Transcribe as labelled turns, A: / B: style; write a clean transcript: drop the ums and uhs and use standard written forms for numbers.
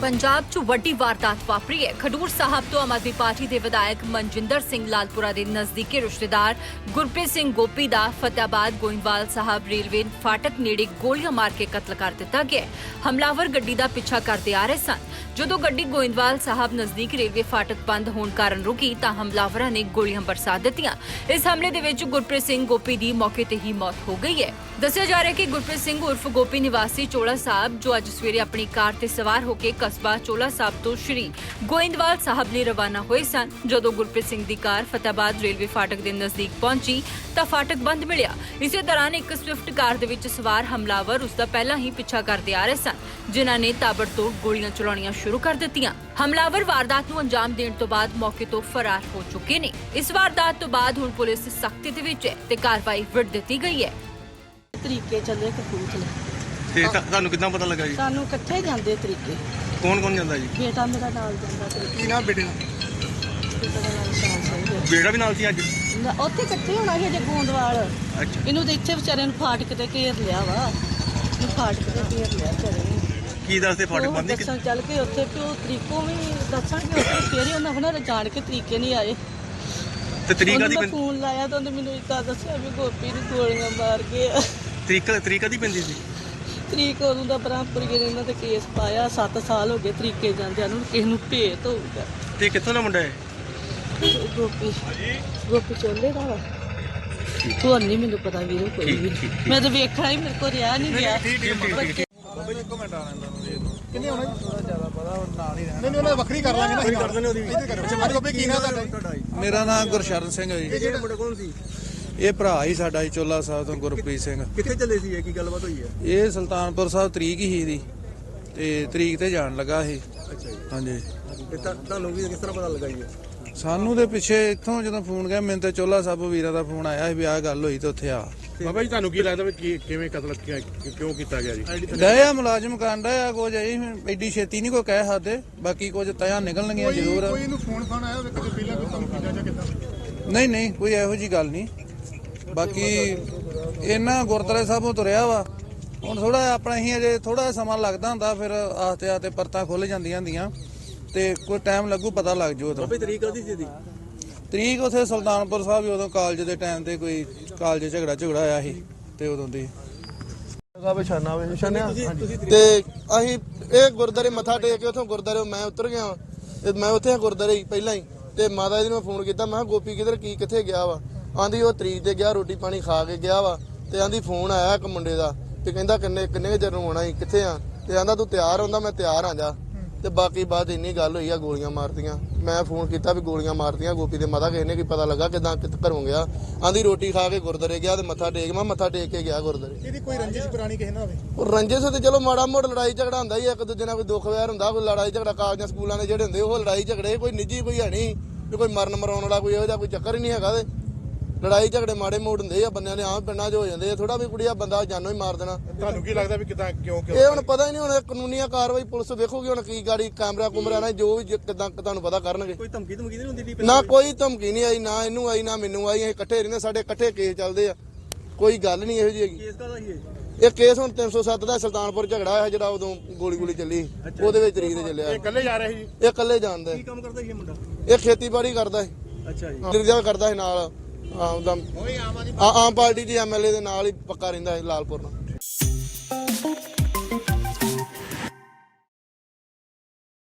A: पंजाब च वड्डी वारदात वापरी है। खडूर साहब तो आम आदमी पार्टी के विधायक मनजिंदर सिंह लालपुरा के नजदीकी रिश्तेदार गुरप्रीत सिंह गोपी का फतेहाबाद गोइंदवाल साहब रेलवे फाटक नेड़े गोलियां मार के कत्ल कर दिता गया। हमलावर गड्डी का पिछा करते आ रहे सन। जदों गड्डी गोइंदवाल साहब नजदीक रेलवे फाटक बंद होने कारण रुकी तां हमलावरां ने गोलियां बरसा दित्तियां। इस हमले दे विच गुरप्रीत सिंह गोपी की मौके ते ही मौत हो गई है। दस्सिया जा रहा है कि गुरप्रीत सिंह उर्फ गोपी निवासी चोला साहब जो अज सवेरे अपनी कार ते सवार होकर कस्बा चोला साहब तो श्री गोइंदवाल साहब लिए रवाना हुए सन। जदों गुरप्रीत सिंह की कार फतेहाबाद रेलवे फाटक के नजदीक पहुंची तां फाटक बंद मिलिया। इसे दौरान एक स्विफ्ट कार दे विच सवार हमलावर उसका पहला ही पिछा करते आ रहे सन, जिन्हां ने ताबड़तोड़ गोलियां चलाउणियां शुरू कर दित्तियां। हमलावर वारदात नूं अंजाम देण तो बाद मौके तो फरार हो चुके ने। इस वारदात तो बाद हुण पुलिस सख्ती दे विच है ते कार्रवाई विड़ दित्ती गई है।
B: तरीके चले कपूरथले
C: ਤੇ ਤੁਹਾਨੂੰ ਕਿੱਦਾਂ ਪਤਾ ਲੱਗਾ ਜੀ?
B: ਸਾਨੂੰ ਇਕੱਠੇ ਜਾਂਦੇ ਤਰੀਕੇ।
C: ਕੌਣ ਕੌਣ ਜਾਂਦਾ ਜੀ?
B: ਬੇਟਾ ਮੇਰਾ ਨਾਲ ਜਾਂਦਾ ਤਰੀਕੇ।
C: ਕੀ ਨਾਮ ਬੇਟੇ ਦਾ?
B: ਬੇਟਾ ਦਾ ਨਾਮ ਸ਼ਾਨ ਸਿੰਘ ਹੈ।
C: ਬੇਟਾ ਵੀ ਨਾਲ ਸੀ ਅੱਜ?
B: ਉੱਥੇ ਇਕੱਠੇ ਹੋਣਾ ਸੀ ਜੇ ਗੋਂਦਵਾਲ।
C: ਅੱਛਾ।
B: ਇਹਨੂੰ ਤੇ ਇੱਥੇ ਵਿਚਾਰੇ ਨੂੰ ਫਾਟਕ ਤੇ ਘੇਰ ਲਿਆ ਵਾ। ਇਹਨੂੰ ਫਾਟਕ ਤੇ ਘੇਰ ਲਿਆ ਵਿਚਾਰੇ ਨੂੰ।
C: ਕੀ ਦੱਸਦੇ ਫਾਟਕ ਬੰਦ ਨਹੀਂ?
B: ਦੱਸਣ ਚੱਲ ਕੇ ਉੱਥੇ ਪਿਓ ਤਰੀਕੋਂ ਵੀ ਦੱਸਾਂਗੇ ਉੱਥੇ ਫੇਰ ਹੀ ਉਹਨਾਂ ਹੁਣਾਂ ਜਾਣ ਕੇ ਤਰੀਕੇ ਨਹੀਂ ਆਏ।
C: ਤੇ ਤਰੀਕਾ ਦੀ
B: ਫੋਨ ਲਾਇਆ ਤਾਂ ਉਹਨੇ ਮੈਨੂੰ ਇੱਦਾਂ ਦੱਸਿਆ ਵੀ ਗੋਪੀ ਨੂੰ ਗੋਲੀਆਂ ਮਾਰ ਕੇ
C: ਤਰੀਕਾ ਦੀ ਪੈਂਦੀ ਸੀ।
B: ਤਰੀਕ ਉਦੋਂ ਦਾ ਬ੍ਰਹਮਪੁਰੀਏ ਨੇ ਇਹਨਾਂ ਤੇ ਕੇਸ ਪਾਇਆ। 7 ਸਾਲ ਹੋ ਗਏ ਤਰੀਕੇ ਜਾਂਦਿਆਂ ਨੂੰ। ਕਿਸੇ ਨੂੰ ਭੇਤ ਹੋਊਗਾ।
C: ਤੇ ਕਿੱਥੋਂ ਦਾ ਮੁੰਡਾ ਹੈ?
B: ਗੋਪੀ ਚੋਲੇ ਦਾ ਵਾ। ਤੁਹਾਨੂੰ ਨਹੀਂ ਮੈਨੂੰ ਪਤਾ ਵੀਰੋ ਕੋਈ ਵੀ। ਮੈਂ ਤਾਂ ਵੇਖਣਾ ਹੀ ਮੇਰੇ ਕੋਲ ਰਿਹਾ ਨਹੀਂ ਗਿਆ।
C: ਕਿੰਨੇ ਹੋਣਾ ਜੀ? ਥੋੜਾ ਜ਼ਿਆਦਾ ਪਤਾ ਹੁਣ ਨਾਲ ਹੀ ਰਹਿਣਾ। ਨਹੀਂ ਉਹਨਾਂ ਵੱਖਰੀ ਕਰ ਲਾਂਗੇ ਨਾ। ਕਰ ਦਿੰਦੇ ਉਹਦੀ ਵੀ। ਅੱਛਾ ਮਾਰੀ ਗੋਪੀ ਕੀ ਨਾਮ ਤੁਹਾਡਾ?
D: ਮੇਰਾ ਨਾਮ ਗੁਰਸ਼ਰਨ ਸਿੰਘ ਹੈ ਜੀ।
C: ਇਹ ਜਿਹੜਾ ਮੁੰਡਾ ਕੌਣ ਸੀ?
D: ਇਹ ਭਰਾ ਹੀ ਸਾਡਾ ਜੀ ਚੋਲਾ ਸਾਹਿਬ ਤੋਂ ਗੁਰਪ੍ਰੀਤ ਸਿੰਘ।
C: ਕਿੱਥੇ ਚੱਲੇ ਸੀ? ਇਹ ਕੀ ਗੱਲਬਾਤ ਹੋਈ ਹੈ?
D: ਇਹ ਸੁਲਤਾਨਪੁਰ ਸਾਹਿਬ ਤਰੀਕ ਹੀ ਦੀ ਤੇ ਤਰੀਕ ਤੇ ਜਾਣ ਲੱਗਾ ਇਹ।
C: ਅੱਛਾ ਜੀ।
D: ਹਾਂਜੀ।
C: ਤੇ ਤੁਹਾਨੂੰ ਵੀ ਕਿਸ ਤਰ੍ਹਾਂ ਪਤਾ ਲੱਗਾ ਜੀ?
D: ਸਾਨੂੰ ਦੇ ਪਿੱਛੇ ਇੱਥੋਂ ਜਦੋਂ ਫੋਨ ਗਿਆ ਮੈਨੂੰ ਤੇ ਚੋਲਾ ਸਾਹਿਬ ਵੀਰਾਂ ਦਾ ਫੋਨ ਆਇਆ ਸੀ ਵੀ ਆਹ ਗੱਲ ਹੋਈ ਤੇ ਉੱਥੇ ਆ।
E: ਬਾਬਾ ਜੀ ਤੁਹਾਨੂੰ ਕੀ ਲੱਗਦਾ ਵੀ ਕਿਵੇਂ ਕਤਲ ਕਿਉਂ ਕੀਤਾ ਗਿਆ ਜੀ?
D: ਡਿਆ ਮੁਲਾਜ਼ਮ ਕਾਂਡਾ ਆ ਕੁਝ ਐਡੀ ਛੇਤੀ ਨਹੀਂ ਕੋਈ ਕਹਿ ਸਕਦੇ। ਬਾਕੀ ਕੁਝ ਤਿਆ ਨਿਕਲਣਗੀਆਂ ਜ਼ਰੂਰ।
C: ਕੋਈ ਨੂੰ ਫੋਨ ਆਇਆ ਹੋਵੇ ਕਦੇ ਪਹਿਲਾਂ ਕੋਈ ਤੁਹਾਨੂੰ ਕੀਤਾ ਜਾਂ ਕਿੱਦਾਂ?
D: ਨਹੀਂ ਕੋਈ ਇਹੋ ਜੀ ਗੱਲ ਨਹੀਂ। ਬਾਕੀ ਇਹਨਾਂ ਗੁਰਦੁਆਰੇ ਸਾਹਿਬੋਂ ਤੁਰਿਆ ਵਾ। ਹੁਣ ਥੋੜਾ ਆਪਣਾ ਹੀ ਅਜੇ ਥੋੜਾ ਸਮਾਂ ਲੱਗਦਾ ਹੁੰਦਾ, ਫਿਰ ਆਸਤੇ ਆਸਤੇ ਪਰਤਾਂ ਖੁੱਲ ਜਾਂਦੀਆਂ ਹੁੰਦੀਆਂ ਤੇ ਕੋਈ ਟਾਈਮ ਲੱਗੂ ਪਤਾ ਲੱਗ ਜੂ। ਉਦੋਂ
C: ਤਰੀਕ ਕਦੀ ਸੀ ਦੀ?
D: ਤਰੀਕ ਉਥੇ ਸੁਲਤਾਨਪੁਰ ਸਾਹਿਬ ਹੀ ਉਦੋਂ ਕਾਲਜ ਦੇ ਟਾਈਮ ਤੇ ਕੋਈ ਕਾਲਜ ਝਗੜਾ ਆਇਆ ਸੀ ਤੇ ਉਦੋਂ ਦੀ
F: ਤੇ ਅਸੀਂ ਇਹ ਗੁਰਦਾਰੇ ਮੱਥਾ ਟੇਕ ਕੇ ਉਥੋਂ ਗੁਰਦਾਰੇ ਮੈਂ ਉਤਰ ਗਿਆ ਤੇ ਮੈਂ ਉੱਥੇ ਗੁਰਦਾਰੇ ਪਹਿਲਾਂ ਹੀ ਤੇ ਮਾਤਾ ਜੀ ਨੂੰ ਫੋਨ ਕੀਤਾ। ਮੈਂ ਕਿਹਾ ਗੋਪੀ ਕਿਧਰ ਕਿੱਥੇ ਗਿਆ ਵਾ? ਆਂਦੀ ਉਹ ਤਰੀਕ ਤੇ ਗਿਆ, ਰੋਟੀ ਪਾਣੀ ਖਾ ਕੇ ਗਿਆ ਵਾ। ਤੇ ਆਂਦੀ ਫੋਨ ਆਇਆ ਇੱਕ ਮੁੰਡੇ ਦਾ ਤੇ ਕਹਿੰਦਾ ਕਿੰਨੇ ਚਿਰ ਨੂੰ ਆਉਣਾ ਸੀ, ਕਿੱਥੇ ਆ? ਤੇ ਆਂਦਾ ਤੂੰ ਤਿਆਰ ਹੁੰਦਾ? ਮੈਂ ਤਿਆਰ ਆ ਜਾ। ਤੇ ਬਾਕੀ ਬਾਅਦ ਇੰਨੀ ਗੱਲ ਹੋਈ ਆ ਗੋਲੀਆਂ ਮਾਰਤੀਆਂ। ਮੈਂ ਫੋਨ ਕੀਤਾ ਵੀ ਗੋਲੀਆਂ ਮਾਰਤੀਆਂ ਗੋਪੀ ਦੇ ਮਾਤਾ। ਕਿਸੇ ਨੇ ਕੀ ਪਤਾ ਲੱਗਾ ਕਿਦਾਂ ਘਰੋਂ ਗਿਆ? ਆਂਦੀ ਰੋਟੀ ਖਾ ਕੇ ਗੁਰਦਾਰੇ ਗਿਆ ਤੇ ਮੱਥਾ ਟੇਕ। ਮੈਂ ਮੱਥਾ ਟੇਕ ਕੇ ਗਿਆ ਗੁਰਦਾਰੇ।
C: ਇਹਦੀ ਕੋਈ ਰੰਜਿਸ਼ ਪੁਰਾਣੀ ਕਿਸੇ ਨਾਲ ਹੋਵੇ?
F: ਉਹ ਰੰਜਿਸ਼ ਤੇ ਚਲੋ ਮਾੜਾ ਮੋੜ ਲੜਾਈ ਝਗੜਾ ਹੁੰਦਾ ਹੀ। ਇੱਕ ਦੂਜੇ ਨਾਲ ਕੋਈ ਦੁੱਖ ਵੈਰ ਹੁੰਦਾ, ਕੋਈ ਲੜਾਈ ਝਗੜਾ ਕਾਲਜਾਂ ਸਕੂਲਾਂ ਦੇ ਜਿਹੜੇ ਹੁੰਦੇ ਉਹ ਲੜਾਈ ਝਗੜੇ ਕੋਈ ਨਿੱਜੀ ਕੋਈ ਹੈ ਨਹੀਂ ਵੀ ਕੋਈ ਮਰਨ ਮਰਾਉਣ ਵਾਲਾ ਕੋਈ ਇਹੋ ਜਿਹਾ ਕੋਈ ਚੱਕਰ ਹੀ ਨਹੀਂ ਹੈਗਾ। ਤੇ ਲੜਾਈ ਝਗੜੇ ਮਾੜੇ ਮੋੜ ਹੁੰਦੇ ਆ ਬੰਦਿਆਂ ਦੇ ਆਮ ਪਿੰਡਾਂ 'ਚ ਹੋ ਜਾਂਦੇ ਆ। ਥੋੜਾ ਵੀ ਕੁੜੀਆ ਬੰਦਾ ਜਾਨੋਂ ਹੀ ਮਾਰ ਦੇਣਾ।
E: ਤੁਹਾਨੂੰ ਕੀ ਲੱਗਦਾ ਵੀ ਕਿਦਾਂ ਕਿਉਂ
F: ਇਹ ਹੁਣ ਪਤਾ ਹੀ ਨਹੀਂ। ਹੁਣ ਕਾਨੂੰਨੀਆ ਕਾਰਵਾਈ ਪੁਲਿਸ ਵੇਖੂਗੀ ਹੁਣ ਕੀ ਗਾੜੀ ਕੈਮਰਾ ਨਾਲ ਜੋ ਵੀ ਕਿਦਾਂ ਤੁਹਾਨੂੰ ਪਤਾ ਕਰਨਗੇ।
C: ਕੋਈ ਧਮਕੀ ਨਹੀਂ ਹੁੰਦੀ?
F: ਨਾ ਕੋਈ ਧਮਕੀ ਨਹੀਂ ਆਈ, ਨਾ ਇਹਨੂੰ ਆਈ ਨਾ ਮੈਨੂੰ ਆਈ। ਅਸੀਂ ਇਕੱਠੇ ਰਹਿੰਦੇ, ਸਾਡੇ ਇਕੱਠੇ ਕੇਸ ਚੱਲਦੇ ਆ। ਕੋਈ ਗੱਲ ਨਹੀਂ ਇਹੋ ਜਿਹੀ ਹੈਗੀ।
C: ਕੇਸ ਕਾਹਦਾ ਸੀ
F: ਇਹ ਕੇਸ ਹੁਣ 307 ਦਾ ਸੁਲਤਾਨਪੁਰ ਝਗੜਾ ਹੋਇਆ ਜਿਹੜਾ ਉਦੋਂ ਗੋਲੀ ਚੱਲੀ ਉਹਦੇ ਵਿੱਚ ਤਰੀਕ ਤੇ ਚੱਲਿਆ।
E: ਇਹ ਇਕੱਲੇ ਜਾ ਰਹੇ ਸੀ?
F: ਇਹ ਇਕੱਲੇ ਜਾਣਦਾ।
C: ਕੀ ਕੰਮ ਕਰਦਾ ਸੀ ਇਹ ਮੁੰਡਾ?
F: ਇਹ ਖੇਤੀਬਾੜੀ ਕਰਦਾ ਹੈ।
C: ਅੱਛਾ ਜੀ।
F: ਡਿਰਜਾ ਕਰਦਾ ਹੈ ਨਾਲ ਆਮ ਪਾਰਟੀ ਦੀ ਐਮਐਲਏ ਦੇ ਨਾਲ ਹੀ ਪੱਕਾ ਰਹਿੰਦਾ ਹੈ ਲਾਲਪੁਰ ਨਾਲ।